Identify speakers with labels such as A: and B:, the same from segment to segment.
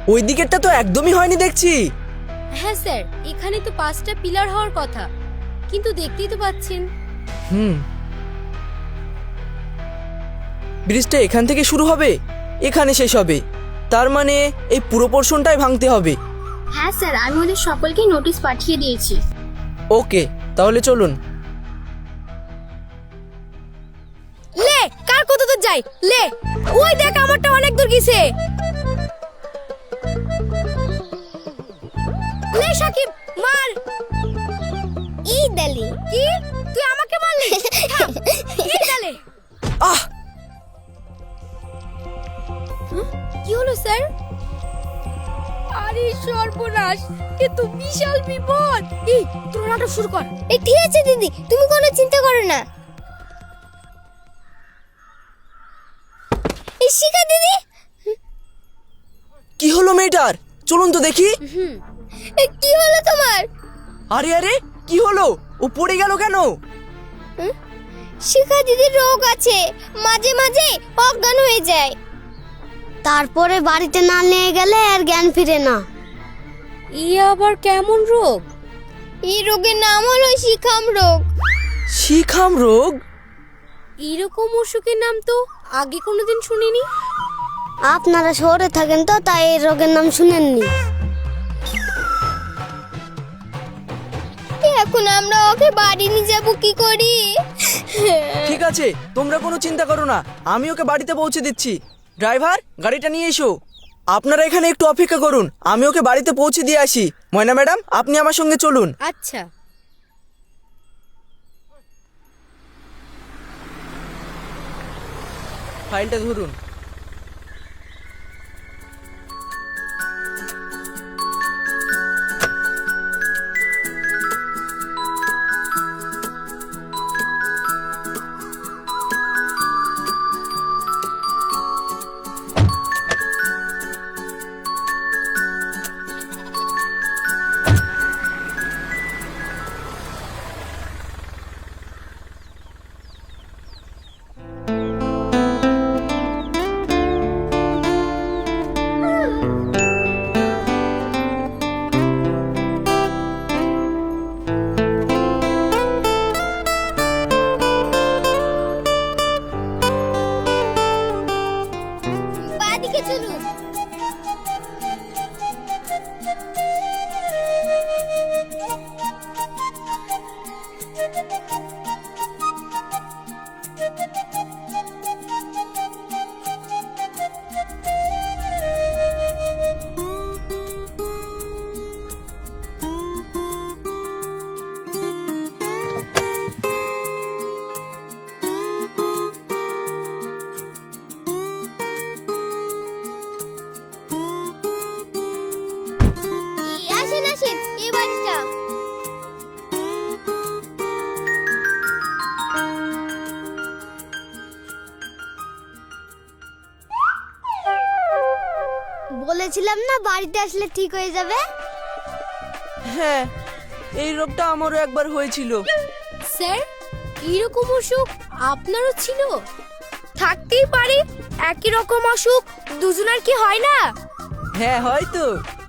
A: ওই দিকেরটা তো একদমই হয়নি দেখছি।
B: হ্যাঁ স্যার, এখানে তো 5টা পিলার হওয়ার কথা, কিন্তু দেখতেই তো পাচ্ছেন।
A: ব্রিজটা এখান থেকে শুরু হবে, এখানে শেষ হবে, তার মানে এই পুরো পোর্শনটাই ভাঙতে হবে।
C: হ্যাঁ স্যার, আমি ওদের সকলকে নোটিশ পাঠিয়ে দিয়েছি।
A: ওকে, তাহলে চলুন।
B: লে, কার কত দূর যাই, লে ওই দেখ আমারটা অনেক দূর গেছে। লে সাকিব, মার।
C: এই দালি
B: কি তুই আমাকে মারলি? থাম, এই দালে।
A: আহ!
B: কি হলো স্যার? আরে সর্বনাশ, এ তো বিশাল বিপদ। এই তোর নাটক শুরু কর।
C: এই ঠিক আছে দিদি, তুমি কোনো চিন্তা করো না। এই শিখা দিদি,
A: কি হলো মেয়েটার? চলুন তো দেখি।
C: কি হলো তোমার?
A: আরে আরে, কি হলো? ও পড়ে গেল কেন?
C: শিখা দিদির রোগ আছে, মাঝে মাঝে অজ্ঞান হয়ে যায়, তারপরে বাড়িতে না নিয়ে গেলে আর জ্ঞান ফিরে না।
B: ই আবার কেমন রোগ?
C: এই রোগের নাম হলো শিখাম রোগ।
A: শিখাম রোগ?
B: এরকম অসুখের নাম তো আগে কোনোদিন শুনিনি।
C: আপনারা শহরে থাকেন তো, তাই এই রোগের নাম শুনেননি। এখন আমরা ওকে বাড়ি নিয়ে যাব কি করি?
A: ঠিক আছে, তোমরা কোনো চিন্তা করো না, আমি ওকে বাড়িতে পৌঁছে দিচ্ছি। ড্রাইভার, গাড়িটা নিয়ে এসো। আপনারা এখানে একটু অপেক্ষা করুন, আমি ওকে বাড়িতে পৌঁছে দিয়ে আসি। ময়না ম্যাডাম, আপনি আমার সঙ্গে চলুন।
B: আচ্ছা।
A: ফাইলটা ধরুন।
C: বাদিকে চলুন। আসেন আসেন, এই বাড়িটা। বলেছিলাম না বাড়িতে আসলে ঠিক হয়ে যাবে।
A: হ্যাঁ, এই রোগটা আমারও একবার হয়েছিল।
B: স্যার, এরকম অসুখ আপনারও ছিল? থাকতেই পারে, একই রকম অসুখ দুজনের কি হয় না?
A: হ্যাঁ, হয়তো।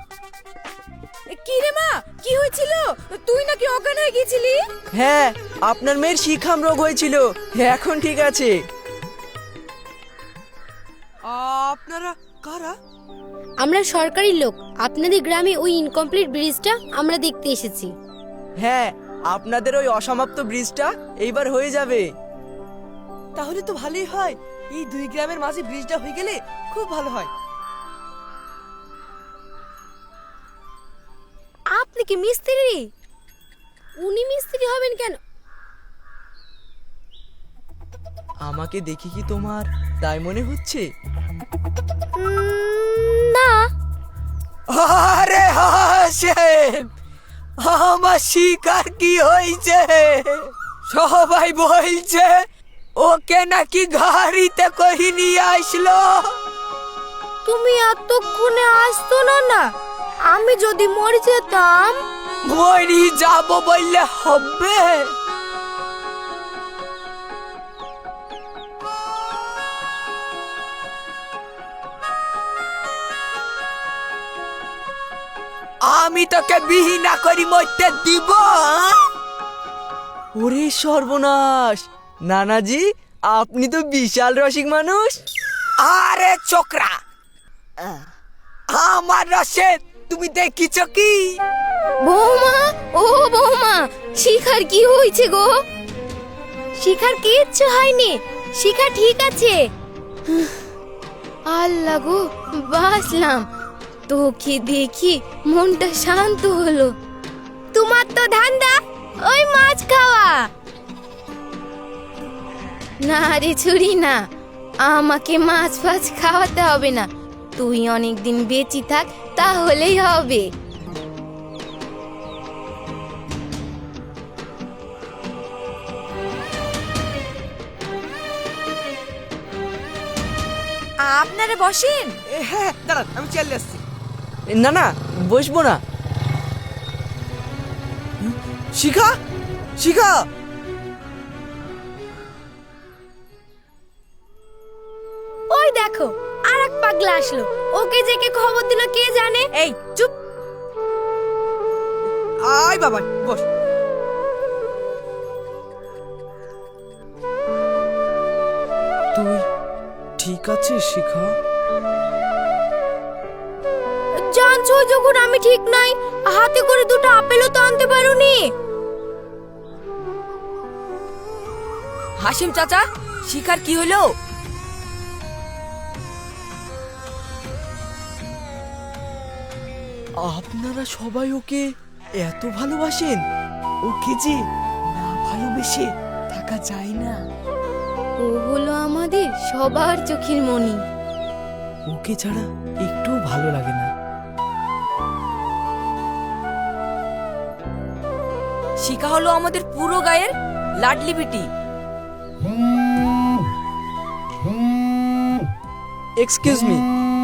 B: কি রে মা, কি হয়েছিল? তুই নাকি অজ্ঞান হয়ে গেছিলি?
A: হ্যাঁ, আপনার মেয়ের শিখাম রোগ হয়েছিল, এখন ঠিক আছে। আপনারা কারা?
B: আমরা সরকারি লোক, আপনাদের গ্রামে ওই ইনকমপ্লিট ব্রিজটা আমরা দেখতে এসেছি।
A: হ্যাঁ, আপনাদের ওই অসমাপ্ত ব্রিজটা এইবার হয়ে যাবে। তাহলে তো ভালোই হয়, এই দুই গ্রামের মাঝে ব্রিজটা হয়ে গেলে খুব ভালো হয়।
B: আপনি কি মিস্ত্রি? উনি মিস্ত্রি হবেন কেন?
A: আমাকে দেখি কি তোমার তাই মনে হচ্ছে?
B: না।
A: আরে হাসেম, আমার শিকার কি হয়েছে? সবাই বলছে ওকে নাকি গাড়িতে করে নিয়ে আসলো।
B: তুমি এতক্ষণে আসতো না না? আমি যদি মরে যেতাম।
A: মরি যাব বললে হবে?
D: আমি তোকে বিহি না করি মরতে দিব?
A: ওরে সর্বনাশ, নানাজি আপনি তো বিশাল রসিক মানুষ।
D: আরে চোকরা, আমার রসে তুমি দেখিছ কি?
B: বৌমা, ও বৌমা, শিখার কি হয়েছে গো? শিখার কিচ্ছু হয়নি, শিখা ঠিক আছে। আল্লাহ গো, বাসলাম, তোকে দেখি মনটা শান্ত হলো। তোমার তো ধান্দা ওই মাছ খাওয়া। না রে ছুরি না, আমাকে মাছ ফাছ খাওয়াতে হবে না, তুই অনেকদিন বেঁচে থাক তাহলেই হবে। আপনারা বসেন।
D: হ্যাঁ দাঁড়ান, আমি চলে আসছি।
A: না না, বসবো না।
D: শিখা, শিখা,
B: ওই দেখো আর এক পাগলা আসলো, ওকে যে কে খবর দিল কে জানে। এই চুপ।
D: আয় বাবা বস।
A: তুই ঠিক আছিস শিখা?
B: জানছো যখন আমি ঠিক নাই, হাতে করে দুটো আপেলও তো আনতে পারোনি।
D: হাসিম চাচা, শিখার কি হলো?
A: আপনারা সবাই ওকে এত ভালোবাসেন?
D: ওকে যে না ভালোবেসে থাকা যায় না।
B: ও হলো আমাদের সবার চোখের মণি।
A: ওকে ছাড়া একটু ভালো লাগে না।
D: শিখা হলো আমাদের পুরো গায়ের লাডলি বিটি।
A: Excuse me.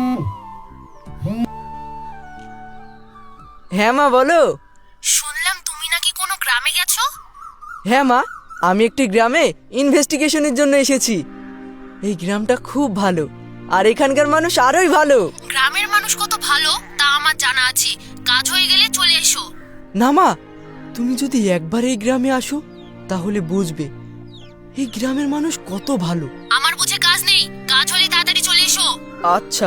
A: হ্যাঁ মা বলো।
B: শুনলাম তুমি নাকি কোনো গ্রামে গেছো?
A: হ্যাঁ মা, আমি একটি গ্রামে ইনভেস্টিগেশনের জন্য এসেছি। এই গ্রামটা খুব ভালো, আর এখানকার মানুষ আরোই ভালো।
B: গ্রামের মানুষ কত ভালো তা আমার জানা আছে, কাজ হয়ে গেলে চলে এসো।
A: না মা, তুমি যদি একবার এই গ্রামে আসো তাহলে বুঝবে এই গ্রামের মানুষ কত ভালো।
B: আমার বুঝে কাজ নেই, কাজ হলে তাড়াতাড়ি চলে এসো।
A: আচ্ছা।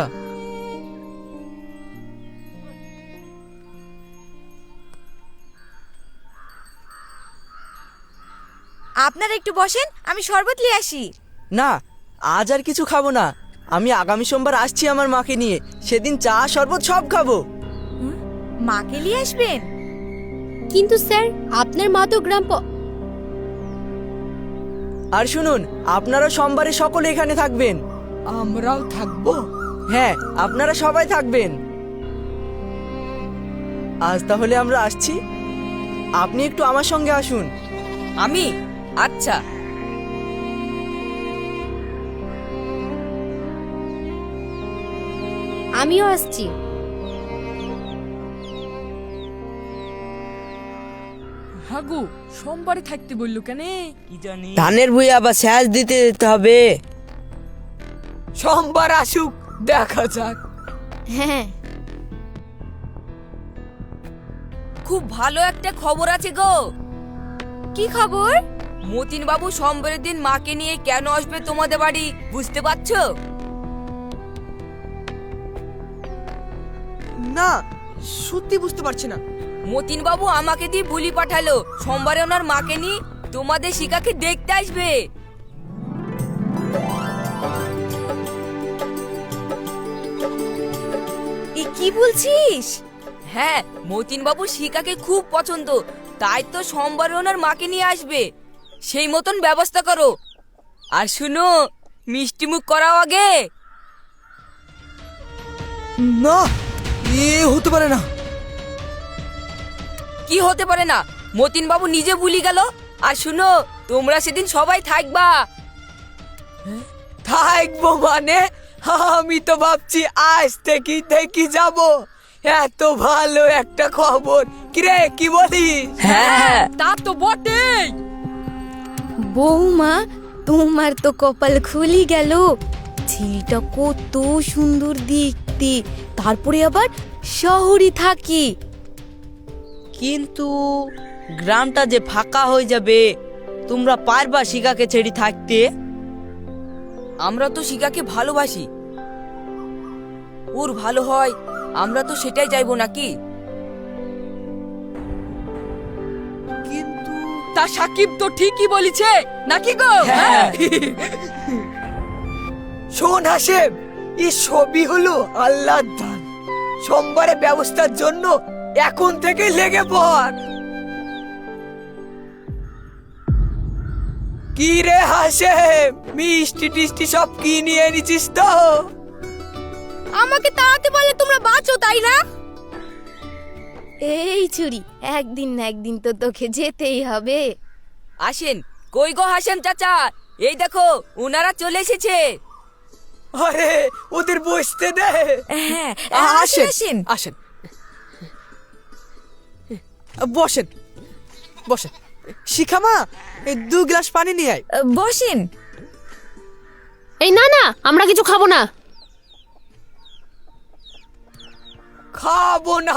B: আপনারা একটু বসেন, আমি শরবত নিয়ে আসি।
A: না, আজ আর কিছু খাবো না। আমি আগামী সোমবার আসছি আমার মাকে নিয়ে, সেদিন চা শরবত সব খাবো।
B: মাকে নিয়ে আসবেন? কিন্তু স্যার আপনার মা তো
A: আর শুনুন, আপনারা সোমবারে সকলে এখানে থাকবেন।
D: আমরাও থাকবো।
A: হ্যাঁ, আপনারা সবাই থাকবেন। আজ তাহলে আমরা আসছি, আপনি একটু আমার সঙ্গে আসুন।
D: আমি? আচ্ছা।
B: আমিও আসছি।
D: হাগু সোমবারে থাকতে বললো কেন কি জানি।
E: ধানের ভুঁই আবার সেচ দিতে যেতে হবে।
D: সোমবার আসুক, দেখা যাক।
B: হ্যাঁ,
D: খুব ভালো একটা খবর আছে গো।
B: কি খবর?
D: মতিন বাবু সোমবারের দিন মাকে নিয়ে কেন আসবে তোমাদের বাড়ি, বুঝতে পারছো?
A: না, সত্যি বুঝতে পারছি না।
D: মতিন বাবু আমাকে দিয়ে বুলি পাঠালো সোমবারে ওনার মাকে নিয়ে তোমাদের শিখাকে দেখতে আসবে।
B: এ কি বলছিস?
D: হ্যাঁ, মতিন বাবু শিখাকে খুব পছন্দ, তাই তো সোমবারে ওনার মাকে নিয়ে আসবে। সেই মতন ব্যবস্থা করো। আর শুনো, মিষ্টি মুখ করাও আগে।
A: না, এ হতে পারে না।
D: কি হতে পারে না? মতিন বাবু নিজে বুলি গেল। আর শুনো, তোমরা সেদিন সবাই থাকবা। থাকবো মানে? আমি তো ভাবছি আজ থেকেই থেকে যাব। এত ভালো একটা খবর, কিরে কি বলিস? হ্যাঁ, তা তো বটেই।
B: বৌমা, তোমার তো কপাল খুলি গেল। ছেলেটা কত সুন্দর দেখতে, তারপরে আবার শহরে থাকি।
E: কিন্তু গ্রামটা যে ফাঁকা হয়ে যাবে, তোমরা পারবা শিখাকে ছেড়ে থাকতে?
D: আমরা তো শিখাকে ভালোবাসি, ওর ভালো হয় আমরা তো সেটাই চাইবো নাকি?
E: কিন্তু
D: তা সাকিব তো ঠিকই বলেছে নাকি গো?
A: হ্যাঁ। শোন হাসেম, এই সবই হলো আল্লাহর দান। সোমবারে ব্যবস্থার জন্য এখন থেকে লেগে পড়। কি রে হাসেম, মিষ্টি টিষ্টি সব কি নিয়ে এনেছিস তো?
B: আমাকে তাড়াতে পারলে তোমরা বাঁচো, তাই না? এই চুরি, একদিন না একদিন তো তোকে যেতেই হবে।
D: আসেন, কই গো হাসেম চাচা, এই দেখো ওনারা চলে এসেছে।
A: আরে ওদের বসতে দে।
D: হ্যাঁ,
A: আসেন আসেন, বসেন বসেন। শিখামা, এই 2 গ্লাস পানি নিয়ে আয়।
D: বসেন।
B: এই না না, আমরা কিছু খাবো না।
A: খাবো না